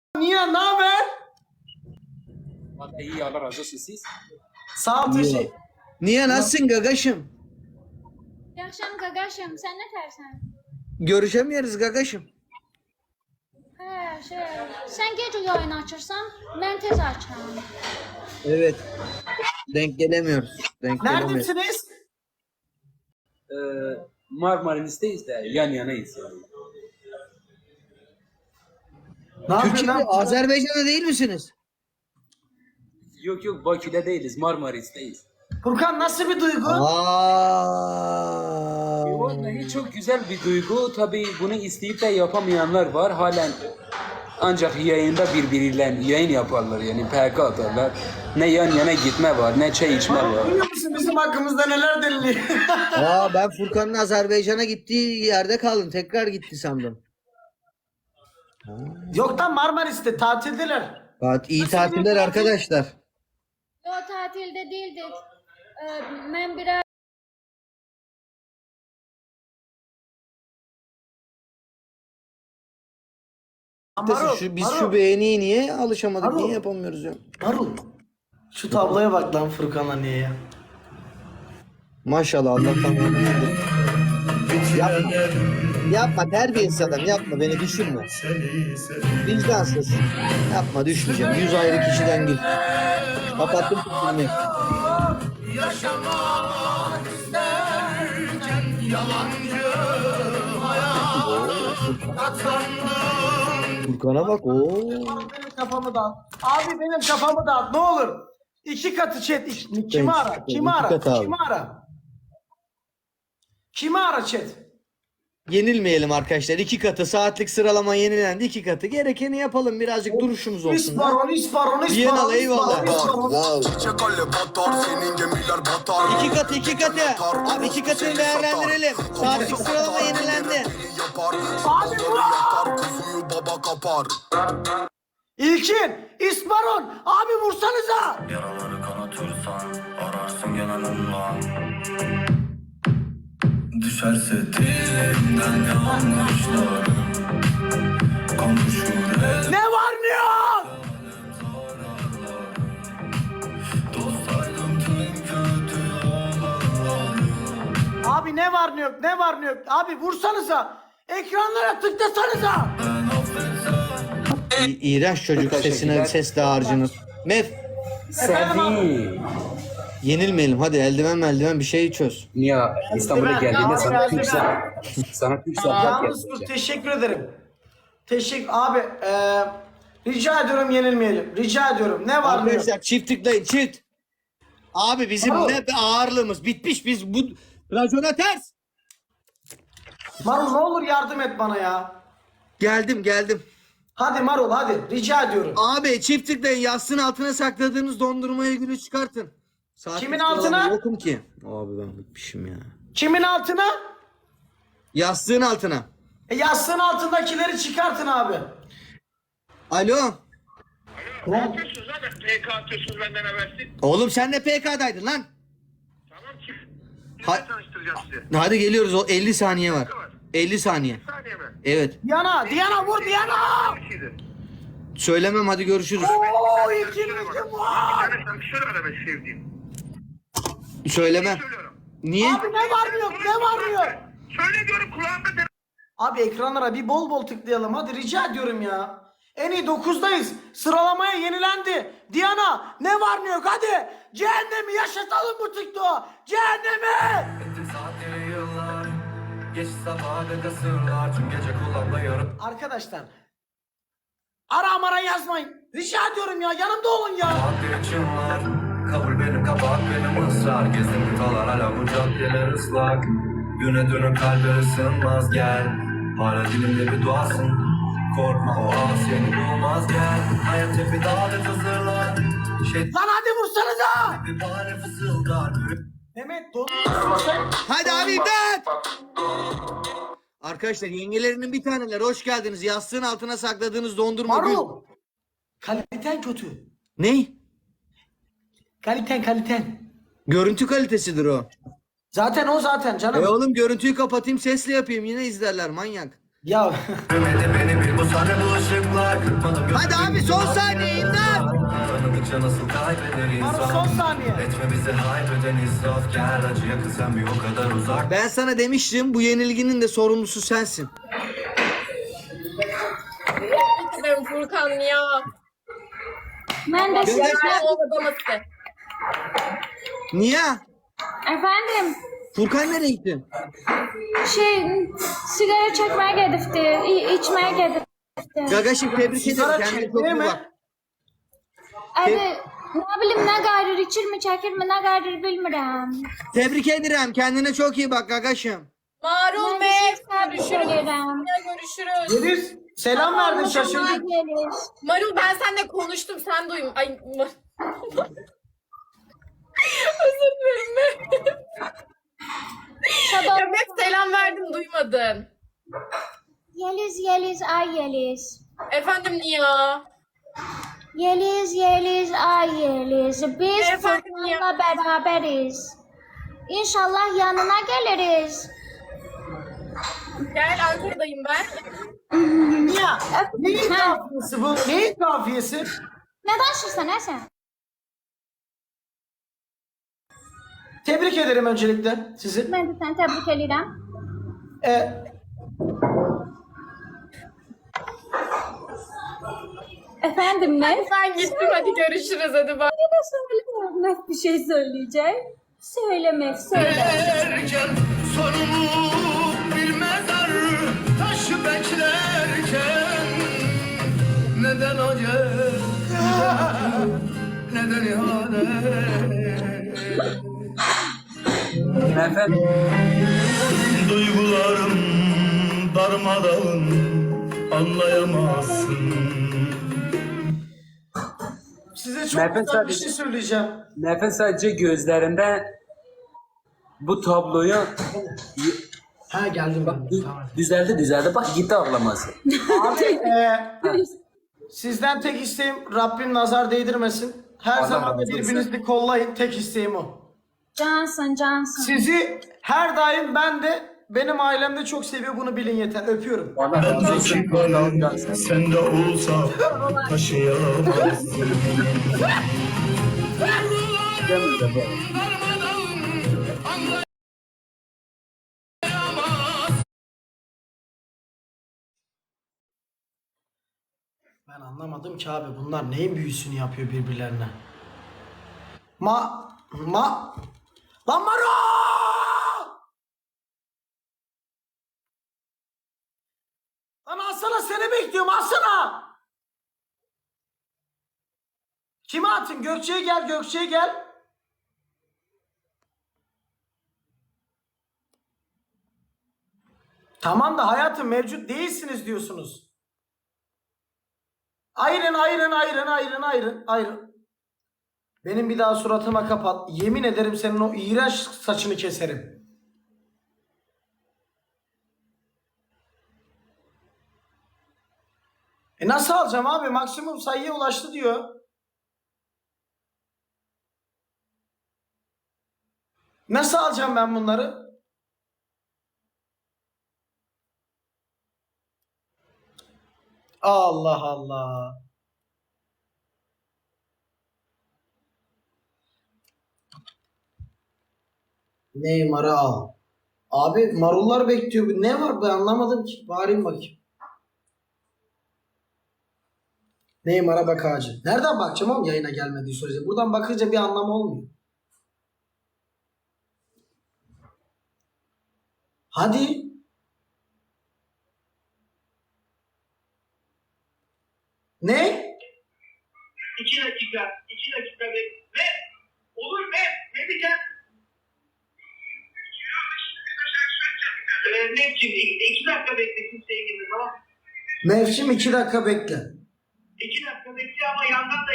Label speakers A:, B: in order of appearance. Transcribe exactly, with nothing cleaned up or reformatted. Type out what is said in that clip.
A: Niye? Ne haber?
B: Vallahi iyi, Allah razı olsun siz.
A: Sağ ol teşekkür.
C: Niye nasılsın gagaşım?
D: Yaxşıyam qaqaşım, sən nə tərsən?
C: Görüşemiyoruz gagaşım.
D: Hə, şey, sən gec yayın açırsan, mən tez açıram.
C: Evet. Denk gelemiyoruz. Denk gelemiyoruz.
A: Neredesiniz?
B: Ee, Marmaris'teyiz de yan yanayız yani.
A: Ne yapıyorsun
C: Türkiye'de,
A: lan?
C: Azerbaycan'da değil misiniz?
B: Yok yok, Bakü'de değiliz, Marmaris'teyiz.
A: Furkan nasıl bir duygu?
C: Aa.
B: Vallahi çok güzel bir duygu. Tabii bunu isteyip de yapamayanlar var. Halen ancak yayında birbiriyle yayın yaparlar, yani P K atarlar. Ne yan yana gitme var, ne çay içme var.
A: Biliyor musun bizim hakkımızda neler deniliyor?
C: Aa, ben Furkan'ın Azerbaycan'a gittiği yerde kaldım. Tekrar gitti sandım.
A: Yok lan Marmaris'te tatildeler.
C: Evet, iyi tatiller arkadaşlar.
D: Yo, tatildə değildik. Ee, mən biraz
A: Marul,
C: Şu, biz
A: Marul,
C: şu beğeniyi niye alışamadık?
A: Marul.
C: Niye yapamıyoruz ya?
A: Marul. Şu tabloya bak lan Furkan'la niye ya?
C: Maşallah, Allah tamam. Yapma. Yapma, terbiyesiz adam, yapma, beni düşürme. Vicdansız. Yapma, düşmeyeceğim. Yüz ayrı kişiden gül. Kapattım filmi. Furkan'a bak, ooo.
A: Benim kafamı dağıt. Abi benim kafamı dağıt ne olur. İki katı chat. İki- Kimi ara?
C: iki
A: Kimi ara?
C: katı abi.
A: Kimi ara? Kimi ara chat?
C: Yenilmeyelim arkadaşlar. İki katı saatlik sıralama yenilendi. İki katı. Gerekeni yapalım. Birazcık duruşumuz olsun.
A: İsparon, İsparon, İsparon.
C: Viyanalı, eyvallah.
A: İsparon.
C: İki katı, iki katı. Abi iki katını değerlendirelim. Saatlik sıralama yenilendi.
A: Abi İlkin, İsparon. Abi vursanıza.
E: Yaraları kanatırsan ararsın gene ondan. Düşerse dilimden yanlışlarım konuşur el
A: Ne var ne yok?
E: dostlarım tüm kötü olanlarım.
A: Abi ne var ne yok? Ne var ne yok? Abi vursanıza. Ekranlara tıklasanıza.
E: Ben affetsem
C: İ- İğrenç çocuk sesine ses dağarcınız. Mev,
B: Sevi.
C: yenilmeyelim. Hadi eldiven eldiven bir şey çöz.
B: Niye İstanbul'a
A: Ben-
B: geldiğinde
A: Ya,
B: sana
A: ya,
B: Türk
A: ya.
B: sanat, sana Türk sanat
A: Yalnız dur,
B: yapacağım.
A: teşekkür ederim. Teşekkür abi. eee rica ediyorum yenilmeyelim. Rica ediyorum. Ne var ne yok?
C: Arkadaşlar çift tıklayın, çift. Abi bizim
A: Marul.
C: ne ağırlığımız bitmiş, biz bu racona ters.
A: Marul ne olur yardım et bana ya.
C: Geldim geldim.
A: Hadi Marul hadi. Rica ediyorum.
C: Abi çift tıklayın, yastığın altına sakladığınız dondurmayı gülü çıkartın. Saatlik
A: Kimin
C: sıralama
A: altına?
C: Yokum ki. Abi ben bitmişim ya.
A: Kimin altına?
C: Yastığın altına.
A: E, yastığın altındakileri çıkartın abi.
C: Alo.
F: Ne yapıyorsunuz abi? P K atıyorsunuz benden habersiz.
C: Oğlum sen de P K'daydın lan.
F: Tamam ki.
C: Ha-
F: Kimle tanıştıracağım sizi?
C: Hadi geliyoruz, o elli saniye var. elli saniye.
F: Bir saniye mi?
C: Evet.
A: Diana, Diana vur Diana.
F: Bir şeydi.
C: Söylemem, hadi görüşürüz.
A: Oo ilkin
F: Söyle
A: ilkin
F: bak. Bir
A: var.
F: tane şarkı söyle bana ben sevdiğim.
C: Söylemem.
F: Söylüyorum.
C: Niye?
A: Abi ne var ne yok ne var ne yok?
F: Söyle diyorum kulağımda de.
A: Abi ekranlara bir bol bol tıklayalım hadi rica ediyorum ya. En iyi dokuzdayız. Sıralamaya yenilendi. Diana ne var ne yok hadi. Cehennemi yaşatalım bu TikTok'u. Cehennemi.
E: Ettim saatleri yıllar geç safhada sırlar tüm gece kullanmıyorum.
A: Arkadaşlar. Ara mara yazmayın. Rica ediyorum ya yanımda olun ya.
E: Maddi çınlar kabul benim kabahat benim ısrar gezdim kıtalar hala bu caddeler ıslak. Güne dönün kalbe ısınmaz gel. Hala dilimde bir duasın. Korkma o ağ seni bulmaz gel. Hayat hep bir davet hazırlar. Şey
A: Lan hadi vursanıza.
E: bir bahane fısıldar.
A: Mehmet donuyorsun sen.
C: Hadi abi imdat! Arkadaşlar yengelerinin bir taneler hoş geldiniz. Yastığın altına sakladığınız dondurma gül.
A: Marul. Kaliten kötü.
C: Ne?
A: Kaliten kaliten.
C: Görüntü kalitesidir o.
A: Zaten o zaten canım.
C: E oğlum görüntüyü kapatayım, sesle yapayım, yine izlerler manyak.
A: Ya
E: Görmedi beni bir bu sahne bu ışıklar kırpmadım gözümü.
C: Hadi abi, son saniye, imdat!
E: Tanıdıkça nasıl kaybeder
A: Maro
E: insan.
A: son saniye.
E: Etme bizi haybeden israf. Gel acıya kızan bir o kadar uzak.
C: Ben sana demiştim, bu yenilginin de sorumlusu sensin.
G: Ben Furkan ya.
D: Mən də
C: Gönder.
G: Ben olmaması.
C: Niye?
D: Efendim,
C: Furkan nereye gitti?
D: şey, sigara çəkməyə gedibdi, i- içməyə gedibdi.
C: Gagaşım tebrik ederim.
A: Sigara
C: Kendine çok
A: çekmeye
C: iyi
A: mi?
C: bak.
D: Abi, nə bilim, nə qayır, içirmi, çəkirmi, nə qayır bilmirəm.
C: Tebrik ederim. Kendine çok iyi bak Gagaşım.
G: Marul
D: Mən
G: Bey.
D: də sizi təbrik
G: Görüşürüz.
D: edirəm.
G: Görüşürüz.
A: Yeliz selam verdin
D: Allah'a
A: şaşırdık.
D: gelir.
G: Marul ben seninle konuştum. Sen duyma. Ay. Ma- Özür dilerim.
D: Sabah
G: Ya hep selam verdim duymadın.
D: Yeliz, Yeliz, ay Yeliz.
G: Efendim Nia.
D: Yeliz, Yeliz, ay Yeliz. Biz
G: Efendim ya.
D: Furkan'la beraberiz. İnşallah yanına geliriz.
G: Gel Ankara'dayım ben.
A: Ya neyin
D: Ha.
A: kafiyesi bu? Neyin kafiyesi?
D: Ne danışırsan ha sen?
A: Tebrik ederim öncelikle sizi.
D: Ben de seni tebrik ederim.
A: Ee,
D: Efendim ne?
G: Ben gittim hadi görüşürüz hadi bak.
D: Ne söylemiyorum. Net bir şey söyleyeceğim. Söyleme, söyle.
H: Erken sonunu bilmezler taşı beklerken neden acı neden ihanet
B: Efendim,
H: duygularım darmadağın anlayamazsın.
A: size çok
B: Nefes
A: güzel bir
B: sadece-
A: şey söyleyeceğim.
B: nefes sadece gözlerinde bu tabloyu
A: Ha geldim ben. Tamam.
B: düzeldi düzeldi. Bak gitti ağlaması.
A: Abi e, sizden tek isteğim Rabbim nazar değdirmesin. Her
B: Allah
A: zaman da
B: razı olsun.
A: birbirinizi kollayın. Tek isteğim o.
D: Cansın, cansın.
A: Sizi her daim ben de benim ailem de çok seviyor, bunu bilin yeter. Öpüyorum.
B: Allah
H: Ben
B: razı
H: de
B: olsun.
H: çıkarım sen de olsa taşıyamazsın.
A: Ben anlamadım ki abi, bunlar neyin büyüsünü yapıyor birbirlerine. Ma ma Lan Maro! Lan alsana, seni bekliyorum, alsana! Kime atın? Gökçe'ye gel, Gökçe'ye gel. Tamam da hayatım mevcut değilsiniz diyorsunuz. Ayrın ayrın ayrın ayrın ayrın ayrın. Benim bir daha suratıma kapat. Yemin ederim senin o iğrenç saçını keserim. E nasıl alacağım abi? Maksimum sayıya ulaştı diyor. Nasıl alacağım ben bunları? Allah Allah. Neymar'ı al. Abi marullar bekliyor. Ne var, ben anlamadım ki. Bağırayım bakayım. Neymar'a bak ağacı. Nereden bakacağım oğlum yayına gelmediği sürece? Buradan bakınca bir anlamı olmuyor. Hadi. Ne?
F: İki dakika, iki dakika ve, ve olur ve ne diyeceğim? Ee, Mevcim, iki, iki dakika bekle kimseye girme, tamam?
A: Mevsim iki dakika bekle.
F: İki dakika bekle ama yandan da